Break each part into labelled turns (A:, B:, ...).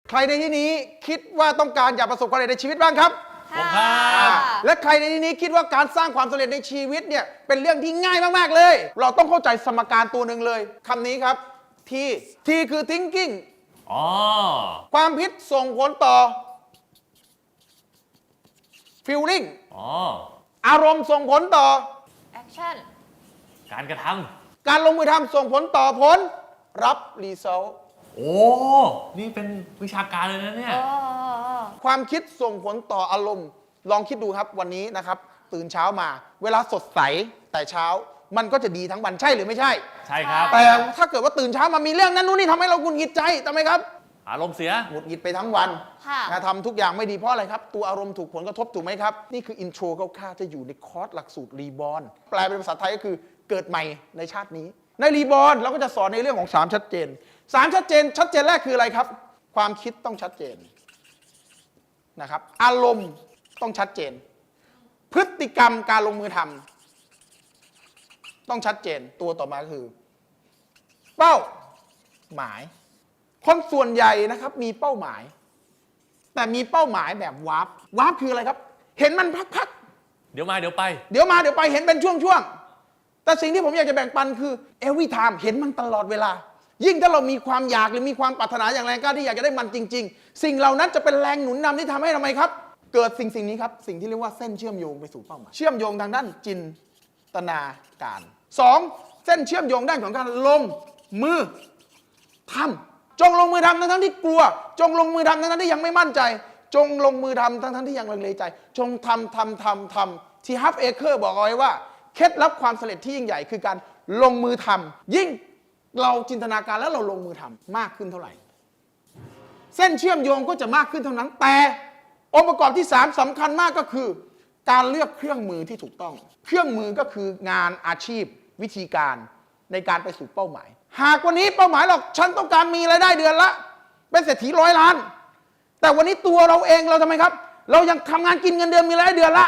A: ใครในที่นี้คิดว่าต้องการอยากประสบความสำเร็จในชีวิตบ้างครับ
B: ผมครับ
A: และใครในที่นี้คิดว่าการสร้างความสำเร็จในชีวิตเนี่ยเป็นเรื่องที่ง่ายมากๆเลย เราต้องเข้าใจสมการตัวหนึ่งเลยคำนี้ครับ T คือ thinking ความคิดส่งผลต่อ feeling อารมณ์ส่งผลต่อ
C: action
B: การกระทำ
A: การลงมือทำส่งผลต่อผลรับ result
B: โอ้นี่เป็นวิชาการเลยนะเนี่ย
A: ความคิดส่งผลต่ออารมณ์ลองคิดดูครับวันนี้นะครับตื่นเช้ามาเวลาสดใสแต่เช้ามันก็จะดีทั้งวันใช่หรือไม่ใช่
B: ใช่ครับ
A: แต่ถ้าเกิดว่าตื่นเช้ามามีเรื่องนั้นนู่นนี่ทำให้เราหงุดหงิดใจทำไมครับ
B: อารมณ์เสีย
A: หงุดหงิดไปทั้งวันทำทุกอย่างไม่ดีเพราะอะไรครับตัวอารมณ์ถูกผลกระทบถูกไหมครับนี่คืออินโทรคร่าวๆจะอยู่ในคอร์สหลักสูตรรีบอร์นแปลเป็นภาษาไทยก็คือเกิดใหม่ในชาตินี้ในรีบอร์นเราก็จะสอนในเรื่องของ3ชัดเจน3ชัดเจนแรกคืออะไรครับความคิดต้องชัดเจนนะครับอารมณ์ต้องชัดเจนพฤติกรรมการลงมือทำต้องชัดเจนตัวต่อมาคือเป้าหมายคนส่วนใหญ่นะครับมีเป้าหมายแต่มีเป้าหมายแบบวาร์ปคืออะไรครับเห็นมันพัก
B: เดี๋ยวมาเดี๋ยวไป
A: เห็นเป็นช่วงๆแต่สิ่งที่ผมอยากจะแบ่งปันคือ every time เห็นมันตลอดเวลายิ่งถ้าเรามีความอยากหรือมีความปรารถนาอย่างแรงกล้าที่อยากจะได้มันจริงๆสิ่งเหล่านั้นจะเป็นแรงหนุนนำที่ทำให้ทำไมครับเกิดสิ่งนี้ครับสิ่งที่เรียกว่าเส้นเชื่อมโยงไปสู่เป้าหมายเชื่อมโยงทางด้านจินตนาการ2เส้นเชื่อมโยงด้านของการลงมือทำจงลงมือทำทั้งที่กลัวจงลงมือทำทั้งที่ยังไม่มั่นใจจงลงมือทำทั้งที่ยังลังเลใจจงทำที่ฮับเอเคอร์บอกเอาไว้ว่าเคล็ดลับความสำเร็จที่ยิ่งใหญ่คือการลงมือทำยิ่งเราจินตนาการแล้วเราลงมือทำมากขึ้นเท่าไหร่เส้นเชื่อมโยงก็จะมากขึ้นเท่านั้นแต่องค์ประกอบที่3สำคัญมากก็คือการเลือกเครื่องมือที่ถูกต้องเครื่องมือก็คืองานอาชีพวิธีการในการไปสู่เป้าหมายหากวันนี้เป้าหมายเราฉันต้องการมีรายได้เดือนละเป็นเศรษฐี100 ล้านแต่วันนี้ตัวเราเองเราทำไมครับเรายังทำงานกินเงินเดือนมีรายได้เดือนละ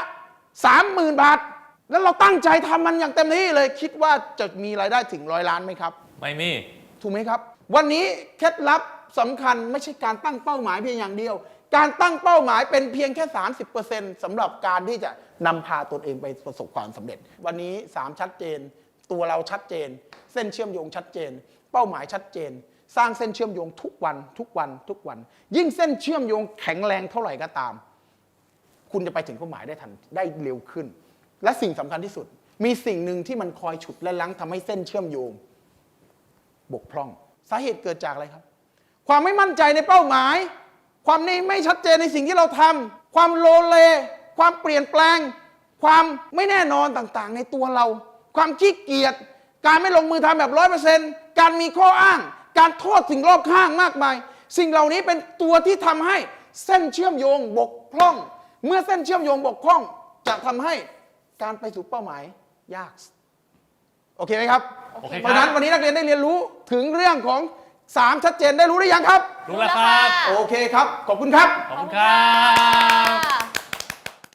A: 30,000 บาทแล้วเราตั้งใจทำมันอย่างเต็มที่เลยคิดว่าจะมีรายได้ถึง100 ล้านไหมครับ
B: ไม่มี
A: ถูกไหมครับวันนี้เคล็ดลับสำคัญไม่ใช่การตั้งเป้าหมายเพียงอย่างเดียวการตั้งเป้าหมายเป็นเพียงแค่ 30% สำหรับการที่จะนำพาตนเองไปประสบความสำเร็จวันนี้3ชัดเจนตัวเราชัดเจนเส้นเชื่อมโยงชัดเจนเป้าหมายชัดเจนสร้างเส้นเชื่อมโยงทุกวันยิ่งเส้นเชื่อมโยงแข็งแรงเท่าไหร่ก็ตามคุณจะไปถึงเป้าหมายได้ทันได้เร็วขึ้นและสิ่งสำคัญที่สุดมีสิ่งหนึ่งที่มันคอยฉุดและลังทำให้เส้นเชื่อมโยงบกพร่องสาเหตุเกิดจากอะไรครับความไม่มั่นใจในเป้าหมายความไม่ชัดเจนในสิ่งที่เราทำความโลเลความเปลี่ยนแปลงความไม่แน่นอนต่างๆในตัวเราความขี้เกียจการไม่ลงมือทำแบบ 100% การมีข้ออ้างการโทษสิ่งรอบข้างมากมายสิ่งเหล่านี้เป็นตัวที่ทำให้เส้นเชื่อมโยงบกพร่องเมื่อเส้นเชื่อมโยงบกพร่องจะทำให้การไปสู่เป้าหมายยากโอเคไหมครับเพราะฉะนั้นวันนี้นักเรียนได้เรียนรู้ถึงเรื่องของ3ชัดเจนได้รู้หรือยังครับ
B: รู้แล้วครับ
A: โอเคครับขอบคุณครับ
B: ขอบคุณครับ